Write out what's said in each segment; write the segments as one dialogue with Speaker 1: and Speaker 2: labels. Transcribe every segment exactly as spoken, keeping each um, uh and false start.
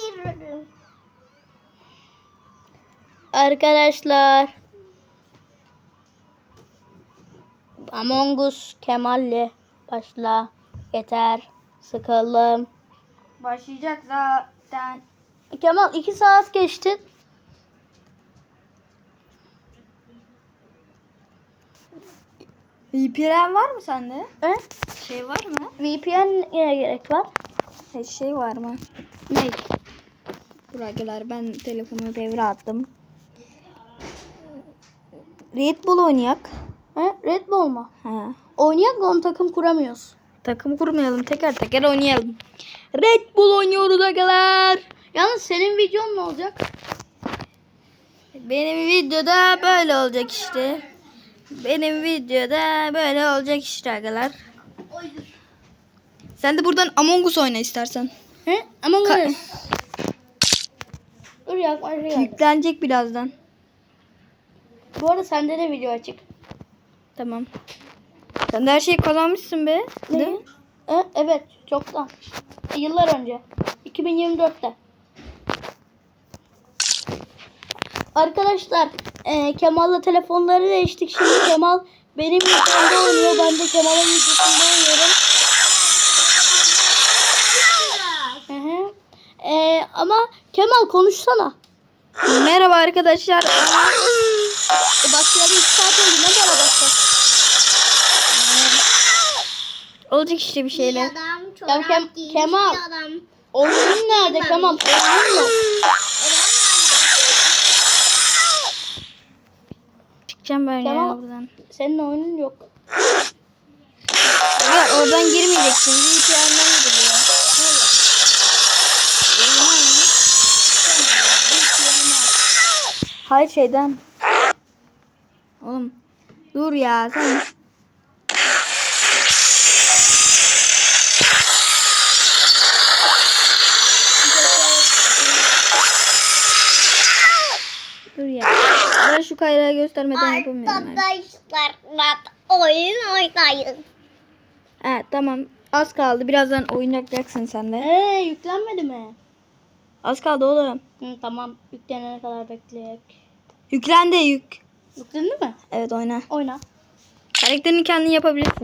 Speaker 1: Hayır.
Speaker 2: Arkadaşlar. Among Us Kemal'le başla. Yeter. Sıkıldım.
Speaker 1: Başlayacak zaten.
Speaker 2: Kemal iki saat geçti.
Speaker 1: V P N var mı sende?
Speaker 2: He?
Speaker 1: Şey var mı?
Speaker 2: V P N'ye gerek var.
Speaker 1: Şey, şey var mı?
Speaker 2: Ne?
Speaker 1: Buradakiler ben telefonu devre attım. Red Bull oynayak.
Speaker 2: He? Red Bull mu?
Speaker 1: He.
Speaker 2: Oynayak da onu takım kuramıyoruz.
Speaker 1: Takım kurmayalım, teker teker oynayalım. Red Bull oynuyoruz arkadaşlar.
Speaker 2: Yalnız senin videon ne olacak?
Speaker 1: Benim videoda böyle olacak işte. Benim videoda böyle olacak işte arkadaşlar. Sen de buradan Among Us oyna istersen.
Speaker 2: He? Among
Speaker 1: Ka-
Speaker 2: Us. Dur yaklaşıyor.
Speaker 1: Yüklenecek birazdan.
Speaker 2: Bu arada sende de video açık.
Speaker 1: Tamam. Sen de her şeyi kazanmışsın be. Değil
Speaker 2: Ne?
Speaker 1: mi?
Speaker 2: E, evet, çoktan. Yıllar önce. iki bin yirmi dörtte. Arkadaşlar, e, Kemal'la telefonları değiştik. Şimdi Kemal benim videomda oynuyor. Ben de Kemal'in videosunda oynuyorum. Hı hı. E, ama Kemal konuşsana.
Speaker 1: Merhaba arkadaşlar.
Speaker 2: E, başlayalı iki saat oldu. Ne kadar başlar?
Speaker 1: Olacak işte bir şeyler.
Speaker 3: Adam
Speaker 2: Ya
Speaker 3: çorap
Speaker 2: Kem-
Speaker 3: giymiş
Speaker 2: Kemal.
Speaker 3: bir adam.
Speaker 2: Oyunun nerede Kemal? Oyunun yok.
Speaker 1: Çıkacağım ben
Speaker 2: Kemal.
Speaker 1: ya buradan.
Speaker 2: Senin oyunun yok.
Speaker 1: Ya oradan girmeyeceksin. V P N'den giriliyor. Hayır şeyden. Oğlum. Dur ya sen. Dur ya. Ben şu kayrağı göstermeden yapamıyorum. Yani.
Speaker 3: Arkadaşlar oyun oynayın.
Speaker 1: Ha, tamam. Az kaldı. Birazdan oynayacaksın sen de.
Speaker 2: Eee yüklenmedi mi?
Speaker 1: Az kaldı oğlum.
Speaker 2: Hı, tamam, yüklenene kadar bekleyek.
Speaker 1: Yüklendi yük.
Speaker 2: Yüklendi mi?
Speaker 1: Evet oyna.
Speaker 2: Oyna.
Speaker 1: Karakterini kendin yapabilirsin.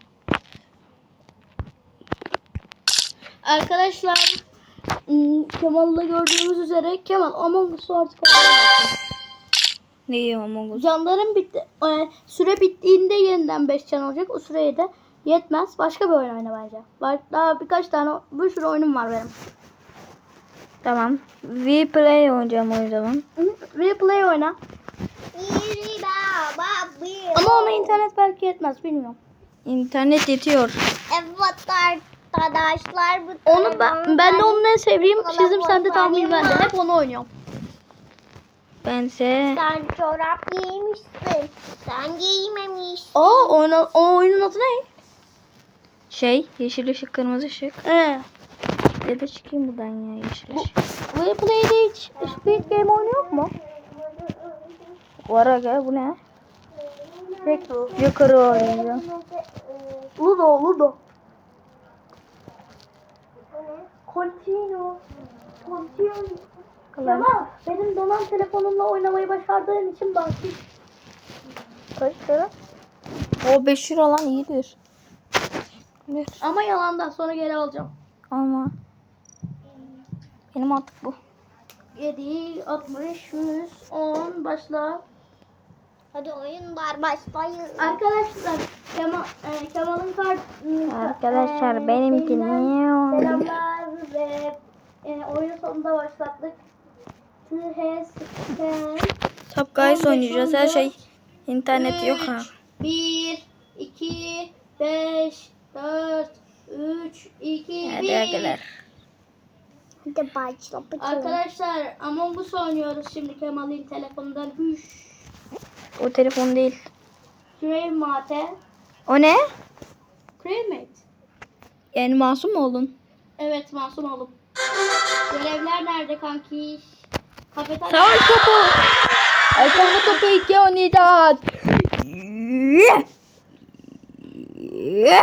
Speaker 2: Arkadaşlar, ım, Kemal'la gördüğümüz üzere Kemal Among Us'u artık oynayamazsın.
Speaker 1: Ne yiyor Among Us?
Speaker 2: Canların bitti. E, süre bittiğinde yeniden beş can olacak. O süreye de yetmez. Başka bir oyun oyna bence. Var, daha birkaç tane bir sürü oyunum var benim.
Speaker 1: Tamam. V-Play oynayacağım o zaman.
Speaker 2: Hı, Replay oyna.
Speaker 3: Biri baba bir.
Speaker 2: Ama ona internet belki yetmez, bilmiyorum.
Speaker 1: İnternet yetiyor.
Speaker 3: Evet arkadaşlar bu
Speaker 2: Onu ben, ben de onun en sevdiğim çizim, sende tahmin ben de. Hep onu oynuyorum.
Speaker 1: Bense
Speaker 3: Sen çorap giymişsin. Sen giymemişsin.
Speaker 2: Aa, oyna, o oyunun adı ne?
Speaker 1: şey yeşil ışık kırmızı ışık.
Speaker 2: Ee,
Speaker 1: Bir de çıkayım buradan ya yeşil
Speaker 2: bu
Speaker 1: ışık.
Speaker 2: Replay'de hiç Squid Game oynuyor mu?
Speaker 1: Var aga bu ne?
Speaker 2: Peki.
Speaker 1: Yukarı oynayacağım.
Speaker 2: Ludo, Ludo. Continue. Continue. Kemal, benim donan telefonumla oynamayı başardığın için bahsedeyim.
Speaker 1: Kaç lira? O beş lira lan iyidir. Ne?
Speaker 2: Ama yalandan sonra geri alacağım.
Speaker 1: Ama benim artık bu.
Speaker 2: yedi, altmış, yüz, on, başla.
Speaker 3: Hadi oyunlar başlayın.
Speaker 2: Arkadaşlar, Kemal, e, Kemal'in kart...
Speaker 1: Arkadaşlar,
Speaker 2: e,
Speaker 1: benimki
Speaker 2: şeyinden
Speaker 1: ne?
Speaker 2: Selamlar ve e, oyun sonunda başlattık. T H
Speaker 1: Top Guys oynayacağız. Her şey internet yok ha.
Speaker 2: bir, iki, beş, dört, üç, iki,
Speaker 1: Hadi
Speaker 2: bir.
Speaker 1: arkadaşlar.
Speaker 3: Hadi başla.
Speaker 2: Arkadaşlar, Among Us oynuyoruz şimdi Kemal'in telefonundan. Hüş.
Speaker 1: O telefon değil.
Speaker 2: Crave Mate.
Speaker 1: O ne?
Speaker 2: Crave Mate.
Speaker 1: Yani masum mu oldun?
Speaker 2: Evet, masum oldum. Görevler nerede kanki? Kafeterya.
Speaker 1: Savaş topu. Alfabe topu iki oynayacağız.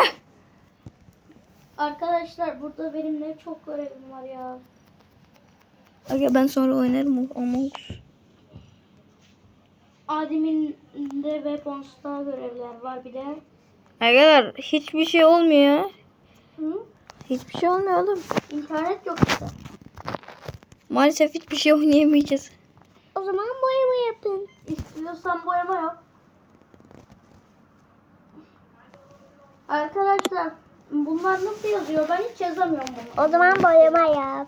Speaker 2: Arkadaşlar, burada benim ne çok görevim var ya.
Speaker 1: Aga ben sonra oynarım ama.
Speaker 2: Admin'de Weapons'ta görevler var bir de.
Speaker 1: Arkadaşlar hiçbir şey olmuyor.
Speaker 2: Hı?
Speaker 1: Hiçbir şey olmuyor oğlum.
Speaker 2: İnternet yok işte.
Speaker 1: Maalesef hiçbir şey oynayamayacağız.
Speaker 3: O zaman boyama yapın.
Speaker 2: İstiyorsan boyama yap. Arkadaşlar bunlar nasıl yazıyor? Ben hiç yazamıyorum bunu.
Speaker 3: O zaman boyama yap.